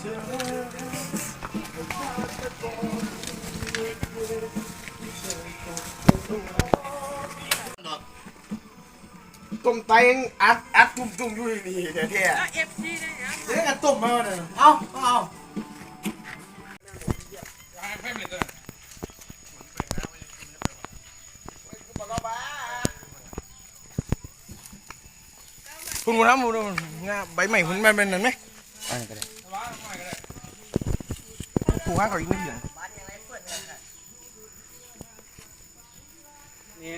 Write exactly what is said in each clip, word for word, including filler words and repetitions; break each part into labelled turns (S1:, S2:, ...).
S1: ต้มไตยังอัดอัดจุ่มจุ่มอยู่นี่แท้ๆเอฟซีเนี่ยเนี่ยกันต้มมาเนี่ยเอาเอาคุณมูน้ำมูน้ำงาใบใหม่คุณมันเป็นนั่นไหมอะไรก็ได้ผูกห้าเขาอีกนิดเดียวนี่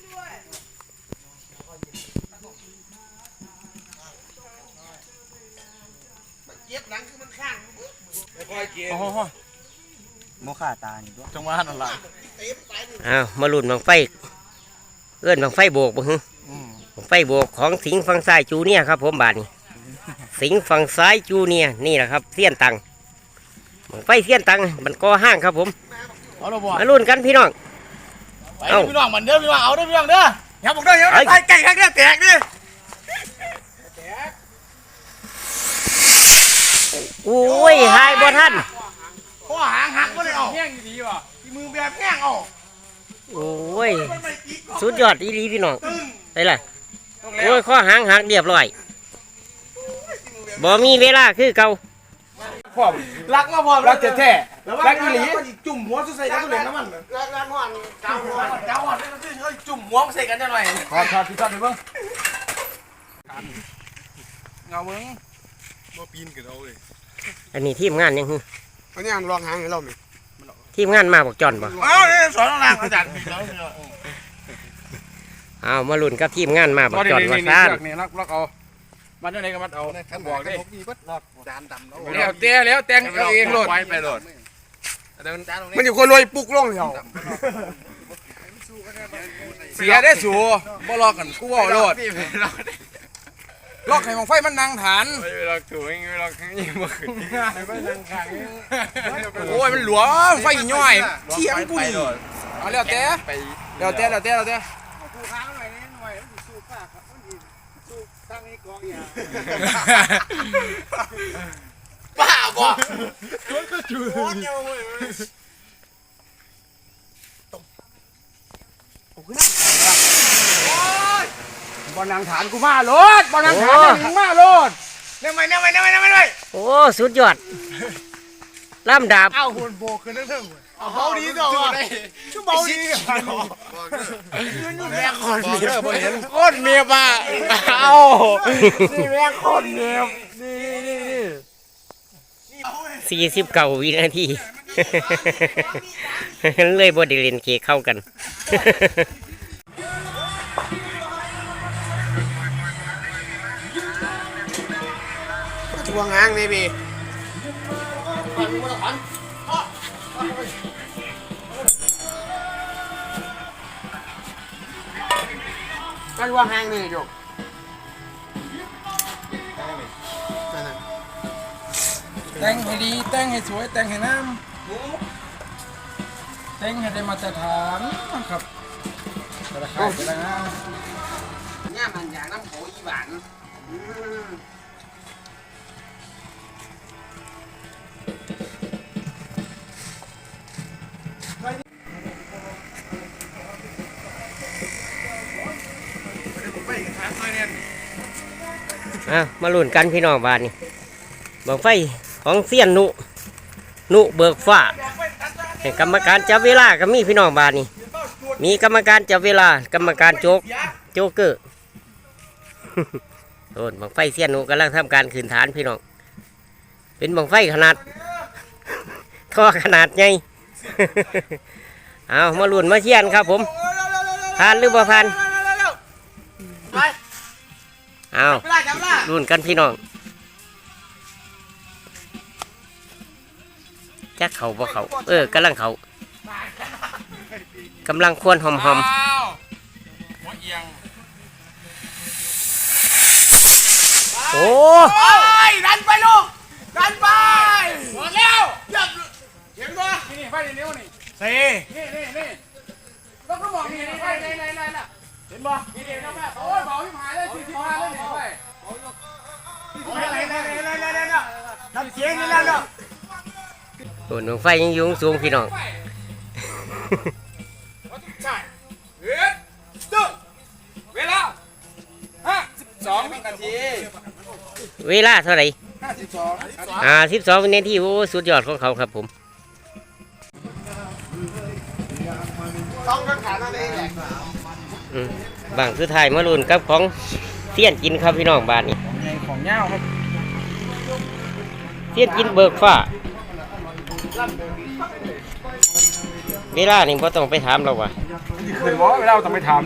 S1: เย็บหลังคือมันข้างโอ้โหโมฆะตานี่ด้วยจังหวะนั่นแหละ
S2: อ้าวมาลุ่นบังไฟเอื้อนบังไฟโบกบ่ฮึบังไฟโบกของสิงห์ฝั่งซ้ายจูเนี่ยครับผมบาทนี้สิงห์ฝั่งซ้ายจูเนี่ยนี่แหละครับเสี้ยนตังบังไฟเสี้ยนตังมันก่อห้างครับผมมาลุ่นกันพี่น้อง
S1: เอาพี่น้องมันเด้อพี่น้องเอาเด้อพี่น้องเด้ออย่าบอกเด้ออย่าบอกไก่ข้างเด้อแตกเด้อ
S2: โอ้ยหายบ่ท่าน
S1: ข้อหางหักก็เลยเอาแง่งดีว่ะที่มือแบบแง่งเอา
S2: โอ้ยสุดยอดอีหลีพี่น้องไปเลยโอ้ยข้อหางหักเรียบร้อยบ่มีเวลาคือเก่า
S1: พร้อมรักมาพร้อมรักแท้ๆรักอีหลีจุ่มหัวใส่กันตัวเหลนน้ำมันรักรักหัวเจ้าหัวเจ้าหัวเฮ้ยจุ่มหัวใส่กันจะหน่อยทอดทอดพี่ทอดไปเบิ้งเงาเบิ้งบ่ปีนกันเอาเลย
S2: อันนี้ทีมงานยังฮึ
S1: อันนี้ลองหางให้เราไหม
S2: ทีมงานมาบอกจอนบ่
S1: เอาสอนล่างอาจารย์พี่แล้ว
S2: เอามาลุ้นกับทีมงานมาบอกจอนว่าซ่าน
S1: นี่ล็อกล็อกเอามันยังไงก็มัดเอาท่านบอกดิจานดำแล้วเตี้ยแล้วแต่งเอาเองโหลดไปโหลดมันอยู่คนรวยปุกล่องเดียวเสียได้สูบ่ลอกกันกูว่าโหลดลอกไข่ของไฟมันนางฐานไม่ลอกถูกไม่ลอกยิ่งบ่ขึ้นไม่นางขังโอ้ยมันหลวมไฟย่อยเทียมกูนี่เอาแล้วแต่แล้วแต่แล้วแต่แล้วแต่กูค้างหน่อยนี่หน่อยมันสู้ปากครับมันสู้ตั้งให้กองยาบ้าบ่มันก็จุโอ้ยเว้ยตบโอ้ยบอลนางฐานกูมาโลดบอลนางฐานกูมาโลดเนี่ยไม่เนี่ยไม่เนี่ยไม่เนี่ยไม่
S2: โอ้สุดยอดล่ำดาบ
S1: เอาหุ่นโบขึ้นนั่นเถอะเอาเบาดีต่อวะชั่วเบาดีแม่คนเมียบเห็นคนเมียป่ะเอานี่แม่คนเมียนี่นี่นี่
S2: สี่สิบเก้าวินาทีเลยบอดีเลนเกเข้ากัน
S1: ทวงหางนี่พี่กันวางหางนี่จบแต่งให้ดีแต่งให้สวยแต่งให้น้ำแต่งให้ได้มาตรฐานครับราคาจะได้นะเนี่ยมันอย่างน้ำโขอีหวาน
S2: อ่ะมาลุ้นกันพี่น้องบ้านนี่บังไฟของเสี้ยนนุนุเบิกฟ้ากรรมการจับเวลาก็มีพี่น้องบ้านนี่มีกรรมการจับเวลากรรมการโจกโจกเกอร์โดนบังไฟเสี้ยนนุกำลังทำการขืนฐานพี่น้องเป็นบังไฟขนาดท่อขนาดใหญ่เอามาลุ้นมาเชียนครับผมผ่านหรือบ่ผ่านเอาลุ้นกันพี่น้องจักเขาบ่เขาเออกำลังเขากำลังควรหอมหอมโอ้
S1: ยดันไปลูกดันไปหมดแล้วเห็นป่ะนี่ไฟเร็วนี่เซ่นี่นี่นี่ต้องก็บอกนี่ไฟไหนไหนไหนล่ะเห็นป่ะนี่เดี๋ยวนะแม่โอ้ยเบาที่หายเลยสี่สิบห้าเลยนี่ไปไหนไหนไหนไหนไหนไหน
S3: เสียงนี่แล้วเนาะ
S2: โอ้น้องไฟยังอยุ่งสูงพี่น้อง
S1: ใช่เฮ้ยตึ้งเวลาห้าสิบสองวินาที
S2: เวลาเท่าไหร่
S1: ห้าสิบสอง
S2: อ่าสิบสองวินาทีโอ้สุดยอดของเขาครับผม
S3: ต้องกันขานั่นเองแหละ
S2: อืมบางสุดท้ายมาลุ้นกับของเสี้ยนกินครับพี่น้องบาทนี้
S1: ของเงาครับ
S2: เสี้ยนกินเบิกฟ้าเวลานี่พ่ต้องไปถามเราว่ะ
S1: คืนว่าเวลาต้องไปทำ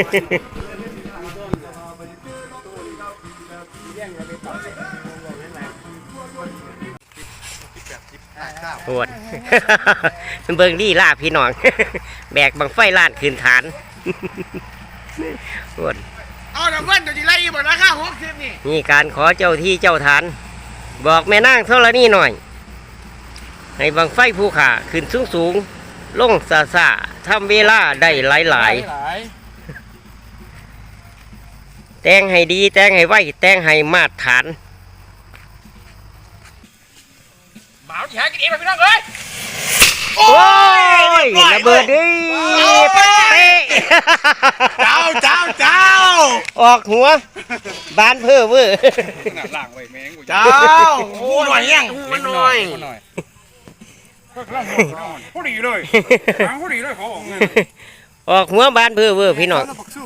S2: โหด เบิ่งดีล่าพี่น้อง แบกบังไฟล้านคืนฐานโหด
S3: เอาแต่เพื่อนตัวที่ไล่หมดราคาหกสิบนี่
S2: นี่การขอเจ้าที่เจ้าฐาน บอกแม่นางเท่านี้หน่อย ให้บังไฟภูขาขึ้นสูงสูงๆลงซาซาทำเวลาได้หลายหลายๆแต่งให้ดีแต่งให้ไวแต่งให้มาตรฐาน
S1: บ่าวที่หากินเองพี่น้องเอ้ย
S2: โอ้ยระเบิดดิเป๊ะ
S3: เจ้าเจ้าเจ้า
S2: ออกหัว บานเพ้อเวอร์
S1: ล่างไว้แมงกู
S3: เจ้าหูหน่อยยังหูหน่อย
S1: พอดีเลยพอดีเลยขอบอกเงิน
S2: ออกหัวบานเพ้อเวอร์พี่น้อง
S3: สู้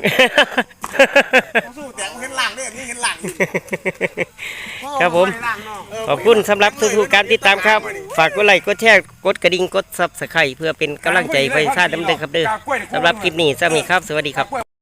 S3: สู้แต่เห็นหลังเนี่ยนี่เห็นหลัง
S2: ครับผม ขอบคุณสำหรับทุกๆการติดตามครับ ฝากกดไลค์กดแชร์กดกระดิ่งกดซับสไครต์เพื่อเป็นกำลังใจไปสร้างดำเนินครับเด้อสำหรับคลิปนี้สวัสดีครับ สวัสดีครับ